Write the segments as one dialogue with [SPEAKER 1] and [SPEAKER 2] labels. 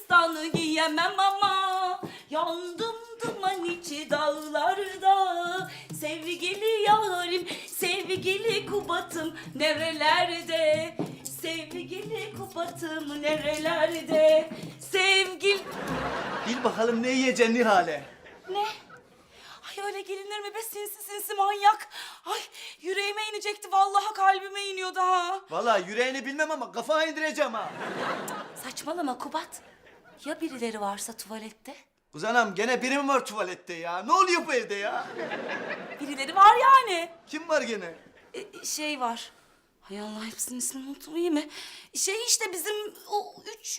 [SPEAKER 1] destanı giyemem ama yandım duman içi dağlarda. Sevgili yarim, sevgili Kubat'ım nerelerde? Sevgili Kubat'ım nerelerde?
[SPEAKER 2] Bil bakalım ne yiyeceksin Nihale?
[SPEAKER 1] Ne? Ay öyle gelinir mi be sinsi sinsi manyak? Ay yüreğime inecekti vallahi kalbime iniyordu ha.
[SPEAKER 2] Vallahi yüreğini bilmem ama kafana indireceğim ha.
[SPEAKER 1] Saçmalama Kubat. Ya birileri varsa tuvalette?
[SPEAKER 2] Kız anam gene biri mi var tuvalette ya? Ne oluyor bu evde ya?
[SPEAKER 1] Birileri var yani.
[SPEAKER 2] Kim var gene?
[SPEAKER 1] Şey var. Hay Allah hepsinin ismini unuttum iyi mi? Şey işte bizim o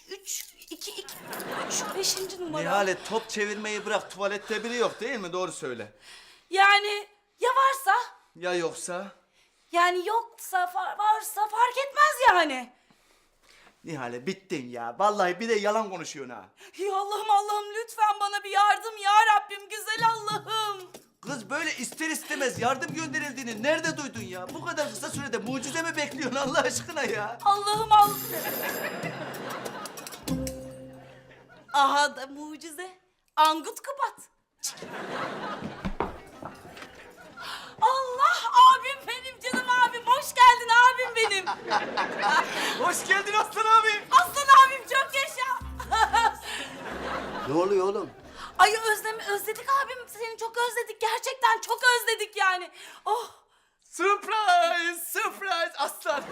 [SPEAKER 1] 5. numara.
[SPEAKER 2] Nihale top çevirmeyi bırak, tuvalette biri yok değil mi? Doğru söyle.
[SPEAKER 1] Yani ya varsa?
[SPEAKER 2] Ya yoksa?
[SPEAKER 1] Yani yoksa varsa fark etmez yani.
[SPEAKER 2] Nihale bittin ya. Vallahi bir de yalan konuşuyorsun ha.
[SPEAKER 1] Ya Allah'ım lütfen bana bir yardım ya Rabbim güzel Allah'ım.
[SPEAKER 2] Kız böyle ister istemez yardım gönderildiğini nerede duydun ya? Bu kadar kısa sürede mucize mi bekliyorsun Allah aşkına ya?
[SPEAKER 1] Allah'ım. Aha da mucize. Angut Kubat. Allah abim benim canım abim. Hoş geldin abim benim.
[SPEAKER 2] Hoş geldin Aslan abi.
[SPEAKER 1] Aslan abim çok yaşa.
[SPEAKER 3] Ne oluyor oğlum?
[SPEAKER 1] Ay özledik abim. Seni çok özledik. Gerçekten çok özledik yani. Oh.
[SPEAKER 2] Surprise, surprise Aslan.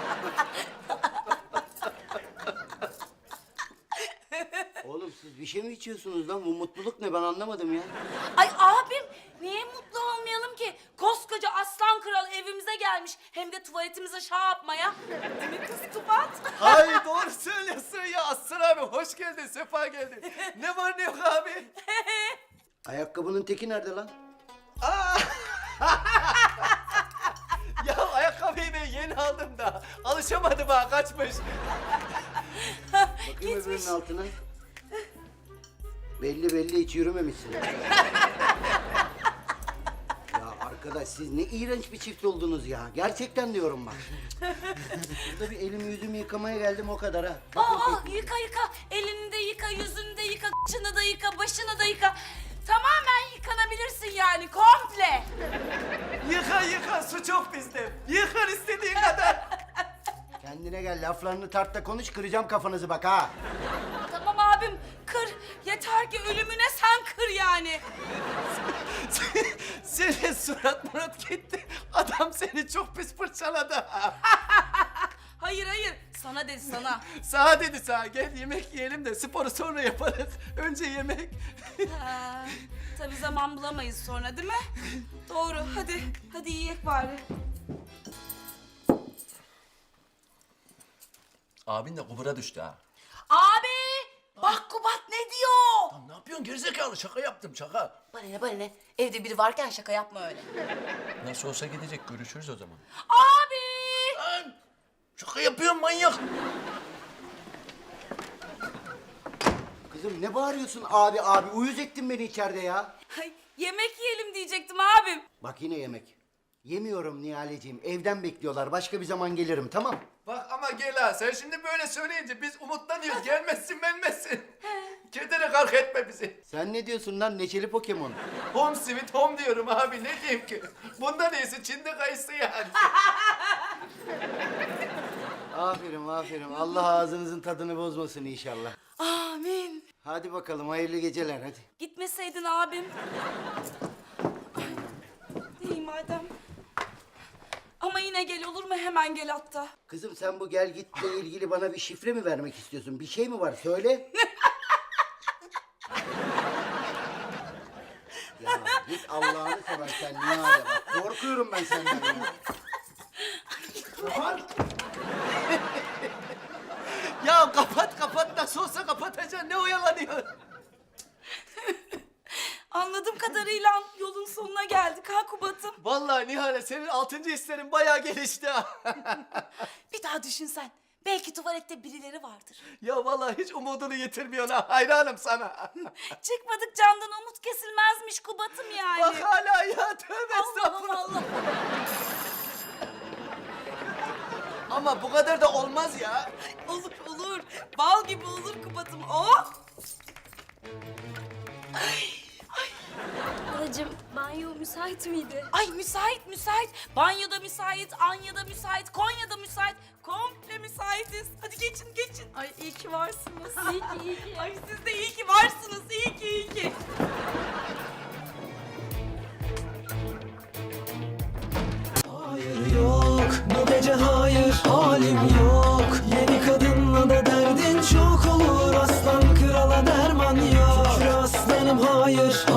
[SPEAKER 3] Oğlum siz bir şey mi içiyorsunuz lan? Bu mutluluk ne ben anlamadım ya.
[SPEAKER 1] Ay abim niye mutlu olmayalım ki? Koskoca aslan kral evimize gelmiş. Hem de tuvaletimize yapmaya. Değil mi kız Kubat?
[SPEAKER 2] Ay doğru söylüyorsun ya Aslan abi. Hoş geldin, sefa geldin. Ne var ne yok abi?
[SPEAKER 3] Ayakkabının teki nerede lan?
[SPEAKER 2] Ya ayakkabıyı ben yeni aldım da alışamadım ha kaçmış.
[SPEAKER 3] Bakayım öbürünün altına. Belli hiç yürümemişsin. Ya arkadaş siz ne iğrenç bir çift oldunuz ya. Gerçekten diyorum bak. Burada bir elimi yüzümü yıkamaya geldim o kadar ha.
[SPEAKER 1] Yıka. Elini de yıka, yüzünü de yıka, kıçını da yıka, başını da yıka. Tamamen yıkanabilirsin yani komple.
[SPEAKER 2] Yıka su çok bizde. Yıkar istediğin kadar.
[SPEAKER 3] Kendine gel laflarını tart da konuş kıracağım kafanızı bak ha.
[SPEAKER 1] Tamam abim kır. Yeter ki ölümüne sen kır yani.
[SPEAKER 2] Senin surat murat gitti. Adam seni çok pis fırçaladı.
[SPEAKER 1] Hayır sana dedi sana.
[SPEAKER 2] Sağa dedi sağa gel yemek yiyelim de sporu sonra yaparız. Önce yemek.
[SPEAKER 1] Tabii zaman bulamayız sonra değil mi? Doğru hadi yiyek bari.
[SPEAKER 4] Abin de kubura düştü ha.
[SPEAKER 1] Abi bak Kubat ne diyor?
[SPEAKER 4] Lan ne yapıyorsun gerizekalı? Şaka yaptım şaka.
[SPEAKER 1] Bana ne? Evde biri varken şaka yapma öyle.
[SPEAKER 4] Nasıl olsa gidecek görüşürüz o zaman.
[SPEAKER 1] Abi!
[SPEAKER 4] Lan şaka yapıyorsun manyak.
[SPEAKER 3] Kızım ne bağırıyorsun abi uyuz ettin beni içeride ya.
[SPEAKER 1] Ay, yemek yiyelim diyecektim abim.
[SPEAKER 3] Bak yine yemek. Yemiyorum Nihaleciğim evden bekliyorlar başka bir zaman gelirim tamam.
[SPEAKER 2] Bak ama gel ha sen şimdi böyle söyleyince biz umutlanıyoruz. Gelmezsin gelmezsin. Kedere kalk etme bizi.
[SPEAKER 3] Sen ne diyorsun lan neşeli Pokemon?
[SPEAKER 2] Home sweet home diyorum abi ne diyeyim ki. Bundan iyisi Çin'de kayısı yani.
[SPEAKER 3] Aferin Allah ağzınızın tadını bozmasın inşallah.
[SPEAKER 1] Amin.
[SPEAKER 3] Hadi bakalım hayırlı geceler hadi.
[SPEAKER 1] Gitmeseydin abim. Ay, İyi madem. Ama yine gel olur mu? Hemen gel hatta.
[SPEAKER 3] Kızım sen bu gel gitle ilgili bana bir şifre mi vermek istiyorsun? Bir şey mi var söyle. Ya git Allah'ını seversen Nihale bak. Korkuyorum ben senden ya. Kapat.
[SPEAKER 2] Ya kapat nasıl olsa kapatacaksın ne oyalanıyor?
[SPEAKER 1] Anladığım kadarıyla yolun sonuna geldik ha Kubat'ım.
[SPEAKER 2] Vallahi Nihale senin 6. hislerin bayağı gelişti ha.
[SPEAKER 1] Bir daha düşünsen. Belki tuvalette birileri vardır.
[SPEAKER 2] Ya vallahi hiç umudunu yitirmiyorsun ha. Hayranım sana.
[SPEAKER 1] Çıkmadık candan umut kesilmezmiş Kubat'ım yani.
[SPEAKER 2] Bak hala ya tövbe
[SPEAKER 1] Allah'ım
[SPEAKER 2] estağfurullah.
[SPEAKER 1] Allah.
[SPEAKER 5] Ama bu kadar da olmaz ya.
[SPEAKER 1] Olur olur. Bal gibi olur Kubat'ım. Oh!
[SPEAKER 6] Halacığım banyo müsait miydi?
[SPEAKER 1] Ay müsait müsait. Banyoda müsait, Anya'da müsait, Konya'da müsait. Komple müsaitiz. Hadi geçin geçin.
[SPEAKER 6] Ay iyi ki varsınız. İyi ki iyi ki.
[SPEAKER 1] Ay siz de iyi ki varsınız. İyi ki iyi ki.
[SPEAKER 7] Hayır yok, bu gece hayır, halim yok. Yeni kadınla da derdin çok olur. Aslan krala derman yok. Şükür aslanım hayır,